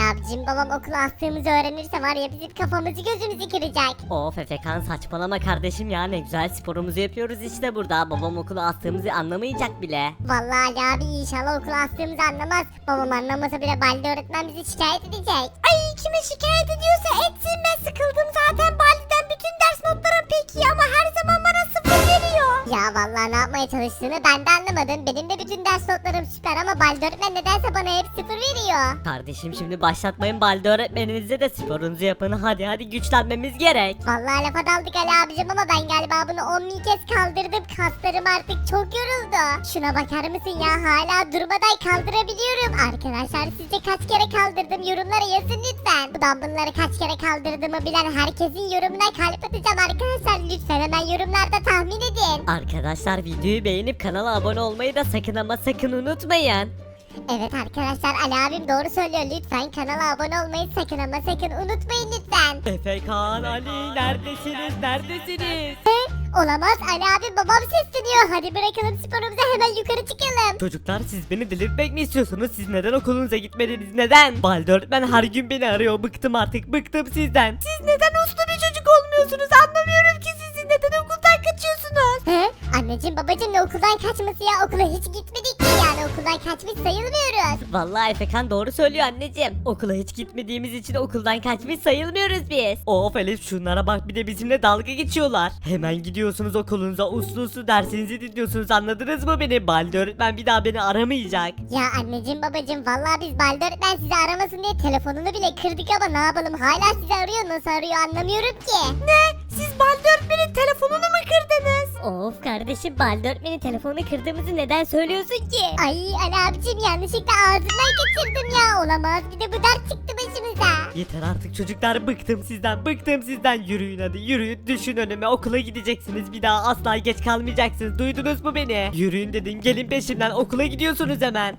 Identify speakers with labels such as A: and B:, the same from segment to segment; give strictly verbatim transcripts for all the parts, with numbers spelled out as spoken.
A: abicim babam okula astığımızı öğrenirse var ya bizim kafamızı gözümüzü kıracak.
B: Of Efekan saçmalama kardeşim ya, ne güzel sporumuzu yapıyoruz işte burada. Babam okula astığımızı anlamayacak bile.
A: Vallahi Ali abi inşallah okula astığımızı anlamaz. Babam anlamasa bile Baldi öğretmen bizi şikayet edecek. Ay kime şikayet ediyorsa etsin, ben sıkıldım zaten Baldi'den bütün ders notlarım peki ama her zaman bana sıfır veriyor. Ya vallahi ne yapmaya çalıştığını ben de anlamadım. Benim de bütün ders notlarım süper ama Baldi öğretmen nedense bana hep sıfır veriyor.
B: Kardeşim şimdi başlatmayın Balde öğretmeninize de, sporunuzu yapın. Hadi hadi güçlenmemiz gerek.
A: Vallahi lafa daldık Ali abicim ama ben galiba bunu on bin kez kaldırdım. Kaslarım artık çok yoruldu. Şuna bakar mısın ya, hala durmadan kaldırabiliyorum. Arkadaşlar sizce kaç kere kaldırdım, yorumlara yazın lütfen. Bu dumbbellları kaç kere kaldırdığımı bilen herkesin yorumuna kalp atacağım arkadaşlar. Lütfen hemen yorumlarda tahmin edin.
B: Arkadaşlar videoyu beğenip kanala abone olmayı da sakın ama sakın unutmayın.
A: Evet arkadaşlar Ali abim doğru söylüyor. Lütfen kanala abone olmayı sakın ama sakın unutmayın lütfen.
B: Efekan, Ali neredesiniz neredesiniz?
A: Olamaz, Ali abi babam sesleniyor. Hadi bırakalım sporumuzu, hemen yukarı çıkalım.
B: Çocuklar siz beni delirtmek mi istiyorsunuz? Siz neden okulunuza gitmediniz? Neden? Balde öğretmen her gün beni arıyor. Bıktım artık, bıktım sizden.
A: Siz neden uslu bir çocuk olmuyorsunuz? Anlamıyorum ki sizi neden okuldan kaçıyorsunuz? He? Anneciğim babacığım ne okuldan kaçması ya? Okula hiç gitmedik ki yani, okuldan kaçmış sayılmıyoruz.
B: Vallahi Efekan doğru söylüyor anneciğim. Okula hiç gitmediğimiz için okuldan kaçmış sayılmıyoruz biz. Of Elif, şunlara bak, bir de bizimle dalga geçiyorlar. Hemen gidiyorsunuz okulunuza, uslu uslu dersinizi dinliyorsunuz, anladınız mı beni? Balde öğretmen bir daha beni aramayacak.
A: Ya anneciğim babacığım vallahi biz Balde öğretmen sizi aramasın diye telefonunu bile kırdık ama ne yapalım, hala sizi arıyor, nasıl arıyor anlamıyorum ki. Ne? Siz Balde öğretmenin telefonunu mu kırdınız?
C: Of kardeşim, Balde öğretmenin telefonunu kırdığımızı neden söylüyorsun ki?
A: Ay Ali abicim yanlışlıkla ağzından kaçırdım ya, olamaz, bir de bu dert çıktı başımıza.
B: Yeter artık çocuklar, bıktım sizden, bıktım sizden. Yürüyün hadi, yürüyün, düşün önüme, okula gideceksiniz, bir daha asla geç kalmayacaksınız, duydunuz mu beni? Yürüyün dedim, gelin peşimden, okula gidiyorsunuz hemen.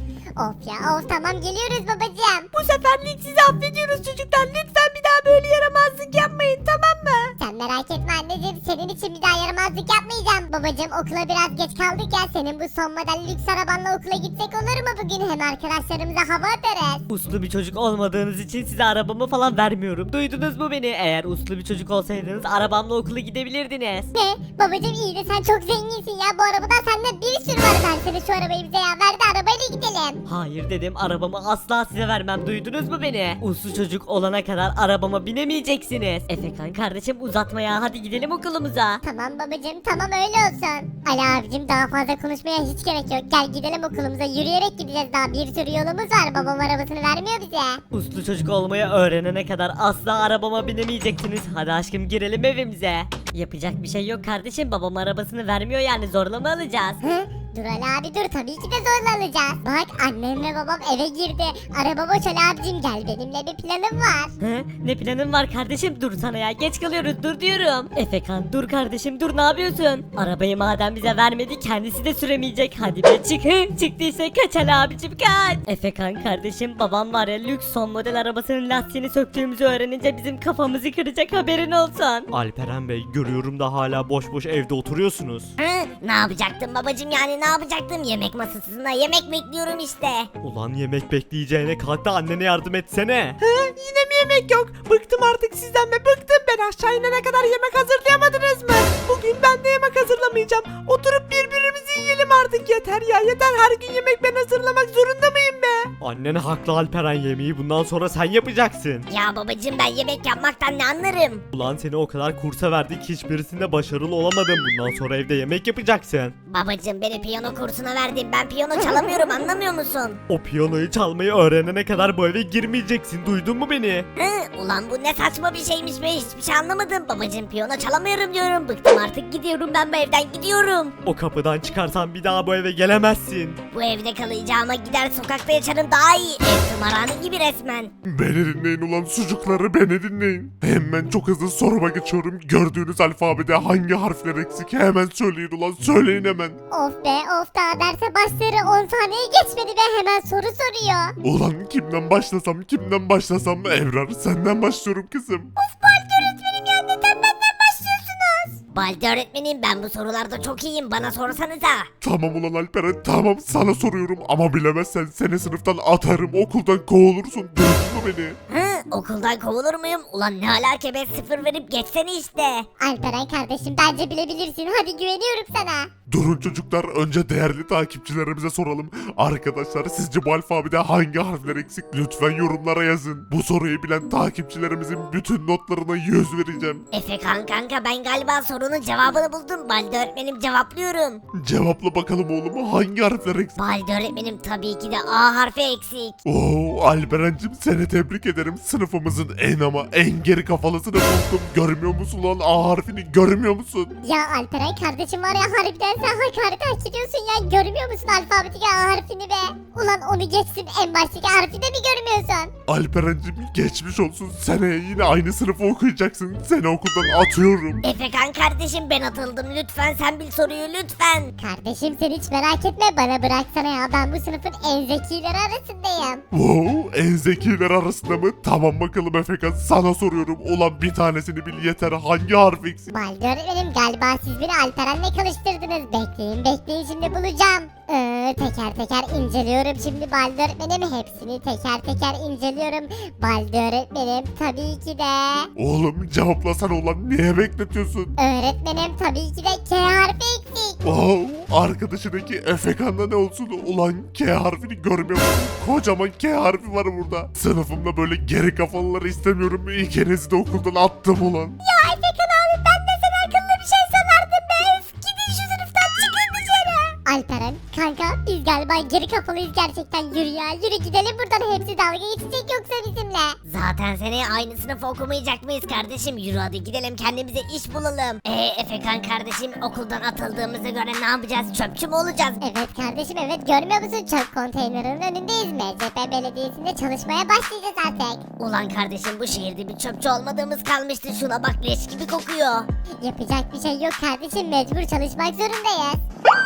A: Of ya of, tamam geliyoruz babacığım.
C: Bu seferlik sizi affediyoruz çocuklar, lütfen bir daha böyle yaramazlık yapmayın, tamam mı?
A: Sen merak etme anneciğim, senin için bir daha yaramazlık yapmayacağım. Babacığım okula biraz geç kaldık ya, senin bu son model lüks arabanla okula gitsek olur mu bugün? Hem arkadaşlarımıza hava atarız.
B: Uslu bir çocuk olmadığınız için size arabamı falan vermiyorum, duydunuz mu beni? Eğer uslu bir çocuk olsaydınız arabamla okula gidebilirdiniz.
A: Ne? Babacığım iyi de sen çok zenginsin ya, bu arabadan sende bir sürü var. Versene şu arabayı bize ya, ver de arabayla gidelim.
B: Hayır dedim, arabamı asla size vermem, duydunuz mu beni? Uslu çocuk olana kadar arabama binemeyeceksiniz. Efekan kardeşim uzatma ya, hadi gidelim okulumuza.
A: Tamam babacığım tamam öyle olsun. Ali abicim daha fazla konuşmaya hiç gerek yok. Gel gidelim okulumuza, yürüyerek gideceğiz, daha bir sürü yolumuz var. Babam arabasını vermiyor bize.
B: Uslu çocuk olmayı öğrenene kadar asla arabama binemeyeceksiniz. Hadi aşkım girelim evimize. Yapacak bir şey yok kardeşim, babam arabasını vermiyor yani, zorla mı alacağız?
A: Hı? Dur Ali abi dur, tabii ki de zorla alacağız. Bak annem ve babam eve girdi. Araba boş Ali abicim, gel benimle bir planım var.
B: Hı? Ne planın var kardeşim, dur sana ya, geç kalıyoruz, dur diyorum. Efekan dur kardeşim, dur, ne yapıyorsun? Arabayı madem bize vermedi kendisi de süremeyecek, hadi be çık. Hı? Çıktıysa kaç Ali abicim, kaç. Efekan kardeşim, babam var ya lüks son model arabasının lastiğini söktüğümüzü öğrenince bizim kafamızı kıracak, haberin olsun.
D: Alperen Bey, görüyorum da hala boş boş evde oturuyorsunuz.
C: Hı, ne yapacaktım babacım, yani ne yapacaktım? Yemek masasında yemek bekliyorum işte.
D: Ulan yemek bekleyeceğine kalk da annene yardım etsene.
E: Yine mi yemek yok? Bıktım artık sizden ve bıktım. Ben aşağı inene kadar yemek hazırlayamadınız mı? Bugün ben de yemek hazırlamayacağım. Oturup birbirimizi yiyelim artık, yeter ya yeter. Her gün yemek ben hazırlamak zorunda mıyım be?
D: Annen haklı Alperen, yemeği bundan sonra sen yapacaksın.
C: Ya babacım, ben yemek yapmaktan ne anlarım?
D: Ulan seni o kadar kursa verdik, hiçbirisinde başarılı olamadın. Bundan sonra evde yemek yapacaksın.
C: Babacım beni piyano kursuna verdin, ben piyano çalamıyorum, anlamıyor musun?
D: O piyanoyu çalmayı öğrenene kadar bu eve girmeyeceksin, duydun mu beni?
C: Hı, ulan bu ne saçma bir şeymiş be, hiçbir şey anlamadım. Babacım piyano çalamıyorum diyorum, bıktım artık, gidiyorum ben bu evden, gidiyorum.
D: O kapıdan çıkarsan bir daha bu eve gelemezsin.
C: Bu evde kalacağıma gider sokakta yaşarım daha iyi. Ev tımarhane gibi resmen.
F: Beni dinleyin ulan sucukları, beni dinleyin. Hemen çok hızlı soruma geçiyorum. Gördüğünüz alfabede hangi harfler eksik? Hemen söyleyin ulan, söyleyin hemen.
A: Of be of, daha derse başları on saniye geçmedi be, hemen soru soruyor.
F: Ulan kimden başlasam kimden başlasam? Evrar senden başlıyorum kızım.
A: Öğretmenim ya, neden benden başlıyorsunuz?
C: Baldi öğretmenim ben bu sorularda çok iyiyim bana sorsanıza.
F: Tamam ulan Alperen tamam sana soruyorum ama bilemezsen seni sınıftan atarım okuldan kovulursun duydun mu beni?
C: Hı okuldan kovulur muyum? Ulan ne alaka be sıfır verip geçsene işte.
A: Alperen kardeşim bence bilebilirsin. Hadi güveniyorum sana.
F: Durun çocuklar önce değerli takipçilerimize soralım. Arkadaşlar sizce bu alfabede hangi harfler eksik? Lütfen yorumlara yazın. Bu soruyu bilen takipçilerimizin bütün notlarına yüz vereceğim.
C: Efekan kanka ben galiba sorunun cevabını buldum. Baldi öğretmenim cevaplıyorum.
F: Cevapla bakalım oğlum hangi harfler eksik?
C: Baldi öğretmenim tabii ki de A harfi eksik.
F: Oo Alperen'cim seni tebrik ederim. Sınıfımızın en ama en geri kafalısını buldum. Görmüyor musun lan A harfini görmüyor musun?
A: Ya Alperen kardeşim var ya harbiden sen hakaret hak ediyorsun ya. Görmüyor musun alfabedeki A harfini be? Ulan onu geçsin en baştaki harfi de mi görmüyorsun?
F: Alperen'cim geçmiş olsun. Seneye yine aynı sınıfı okuyacaksın. Seni okuldan atıyorum.
C: Efekan kardeşim ben atıldım lütfen sen bil soruyu lütfen.
A: Kardeşim sen hiç merak etme bana bıraksana ya. Ben bu sınıfın en zekileri arasındayım.
F: Wow en zekiler arasında mı? Tamam bakalım Efekan sana soruyorum. Ulan bir tanesini bil yeter. Hangi harf eksik?
A: Baldi öğretmenim galiba siz beni Alperen'le karıştırdınız. Bekleyin bekleyin şimdi bulacağım. Ee, teker teker inceliyorum şimdi Baldi öğretmenim. Hepsini teker teker inceliyorum. Baldi öğretmenim tabii ki de.
F: Oğlum cevaplasana ulan. Niye bekletiyorsun?
A: Öğretmenim tabii ki de K harfi eksik.
F: Wow arkadaşındaki Efekan'da ne olsun? Ulan K harfini görmüyor musun? Kocaman K harfi var burada. Sınıfımda böyle geri kafalıları istemiyorum. İkinizi de okuldan attım ulan.
A: Ya Efekan abi ben de sen hakkında bir şey sanardım be. Üf, gidin şu sınıftan çıkın dışarı. Alperen kanka biz galiba geri kafalıyız gerçekten. Yürü ya yürü gidelim buradan. Hepsi dalga geçecek yoksa bizimle.
C: Zaten seneye aynı sınıf okumayacak mıyız kardeşim? Yürü hadi gidelim kendimize iş bulalım. Eee Efekan kardeşim okuldan atıldığımıza göre ne yapacağız? Çöpçü mü olacağız?
A: Evet kardeşim evet görmüyor musun? Çöp konteynerinin önündeyiz. M C P Belediyesi'nde çalışmaya başlayacağız artık.
C: Ulan kardeşim bu şehirde bir çöpçü olmadığımız kalmıştı. Şuna bak leş gibi kokuyor.
A: Yapacak bir şey yok kardeşim. Mecbur çalışmak zorundayız.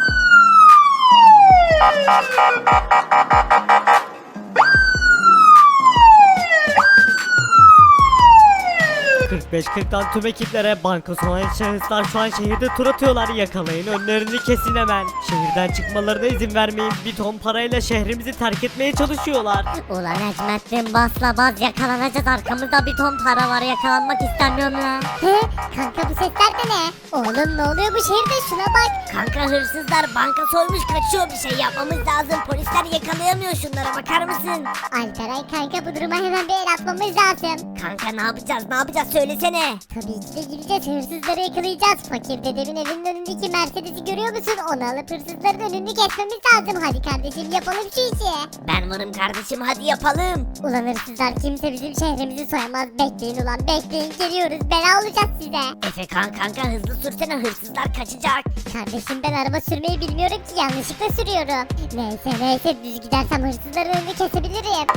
B: kırk beş kırktan tüm ekiplere banka soyan şahıslar şu an şehirde tur atıyorlar. Yakalayın önlerini kesin hemen. Şehirden çıkmalarına izin vermeyin. Bir ton parayla şehrimizi terk etmeye çalışıyorlar.
C: Ulan Necmettin basla bas yakalanacağız. Arkamızda bir ton para var yakalanmak istemiyorum la.
A: He? Kanka bu sesler de ne? Oğlum ne oluyor bu şehirde? Şuna bak.
C: Kanka hırsızlar banka soymuş kaçıyor bir şey yapmamız lazım. Polisler yakalayamıyor şunlara bakar mısın?
A: Alperen kanka bu duruma hemen bir el atmamız lazım.
C: Kanka ne yapacağız ne yapacağız söylesene.
A: Tabii ki de gideceğiz hırsızları yakalayacağız. Fakir dedemin evinin önündeki Mercedes'i görüyor musun? Onu alıp hırsızların önünü kesmemiz lazım. Hadi kardeşim yapalım şu işi.
C: Ben varım kardeşim hadi yapalım.
A: Ulan hırsızlar kimse bizim şehrimizi soyamaz. Bekleyin ulan bekleyin geliyoruz. Bela olacağız size.
C: Efekan kanka hızlı sürsene hırsızlar kaçacak.
A: Kardeşim ben araba sürmeyi bilmiyorum ki yanlışlıkla sürüyorum. Neyse neyse düz gidersem hırsızların önünü kesebilirim.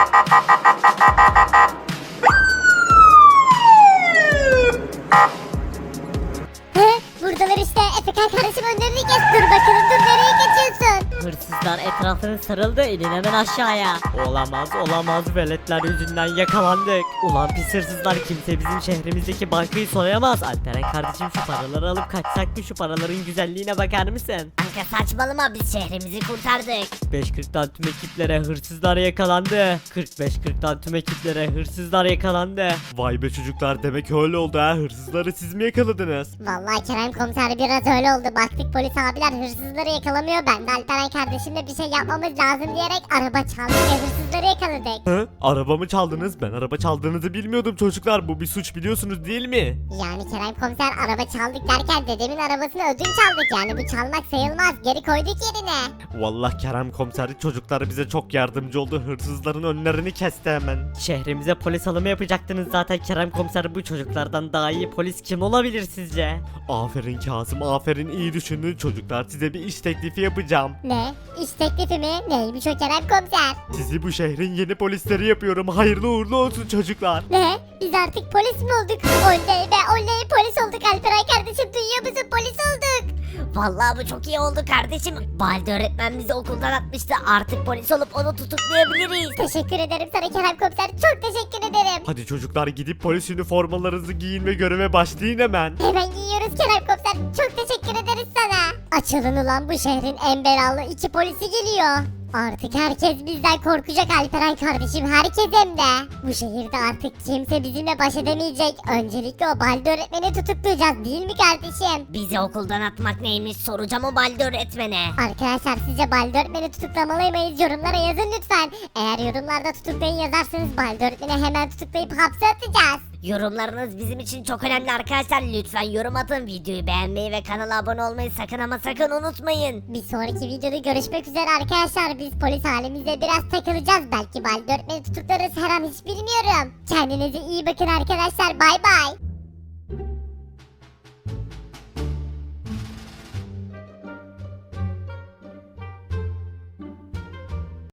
A: He, buradalar işte. Efekan kardeşim önlerini kes. Dur bakalım dur nereye geçiyorsun?
B: Hırsızlar etrafını sarıldı, inin hemen aşağıya. Olamaz olamaz, veletler yüzünden yakalandık. Ulan pis hırsızlar, kimse bizim şehrimizdeki bankayı soyamaz. Alperen kardeşim şu paraları alıp kaçsak mı? Şu paraların güzelliğine bakar mısın?
C: Kanka saçmalama biz şehrimizi kurtardık.
B: beş kırktan tüm ekiplere hırsızlar yakalandı. kırk beş kırktan tüm ekiplere hırsızlar yakalandı.
D: Vay be çocuklar demek öyle oldu ha. Hırsızları siz mi yakaladınız?
A: Vallahi Kerem komiser biraz öyle oldu. Baktık polis abiler hırsızları yakalamıyor. Ben de Alperen kardeşimle bir şey yapmamız lazım diyerek araba çaldık ve hırsızları yakaladık.
D: Hı? Arabamı çaldınız? Ben araba çaldığınızı bilmiyordum çocuklar. Bu bir suç biliyorsunuz değil mi?
A: Yani Kerem komiser araba çaldık derken dedemin arabasını ödünç aldık. Yani bu çalmak sayılmaz. Geri koyduk yerine.
D: Vallahi Kerem komiser çocuklar bize çok yardımcı oldu. Hırsızların önlerini kesti hemen.
B: Şehrimize polis alımı yapacaktınız zaten Kerem komiser, bu çocuklardan daha iyi polis kim olabilir sizce?
D: Aferin Kasım, aferin, iyi düşündün çocuklar. Size bir iş teklifi yapacağım.
A: Ne? İş teklifi mi? Neymiş o Kerem komiser?
D: Sizi bu şehrin yeni polisleri yapıyorum. Hayırlı uğurlu olsun çocuklar.
A: Ne? Biz artık polis mi olduk? Oley be oley polis olduk Alperen kardeşim duyuyor musun? Polis olduk.
C: Vallahi bu çok iyi oldu kardeşim. Baldi öğretmen bizi okuldan atmıştı. Artık polis olup onu tutuklayabiliriz.
A: Teşekkür ederim sana Kerem komiser. Çok teşekkür ederim. giyelim.
D: Hadi çocuklar gidip polis üniformalarınızı giyin ve göreve başlayın hemen.
A: Hemen giyiyoruz Kerem Komiser. Çok teşekkür ederiz sana. Açılın ulan, bu şehrin en belalı iki polisi geliyor. Artık herkes bizden korkacak Alperen kardeşim, herkes hem de. Bu şehirde artık kimse bizimle baş edemeyecek. Öncelikle o Baldi öğretmeni tutuklayacağız değil mi kardeşim?
C: Bizi okuldan atmak neymiş soracağım o Baldi öğretmene.
A: Arkadaşlar sizce Baldi öğretmeni tutuklamalı mıyız? Yorumlara yazın lütfen. Eğer yorumlarda tutuklayın yazarsanız Baldi öğretmeni hemen tutuklayıp hapse atacağız.
C: Yorumlarınız bizim için çok önemli arkadaşlar. Lütfen yorum atın, videoyu beğenmeyi ve kanala abone olmayı sakın ama sakın unutmayın.
A: Bir sonraki videoda görüşmek üzere arkadaşlar. Biz polis halimizde biraz takılacağız. Belki Baldi öğretmeni tutuklarız, her an hiç bilmiyorum. Kendinize iyi bakın arkadaşlar. Bay bay.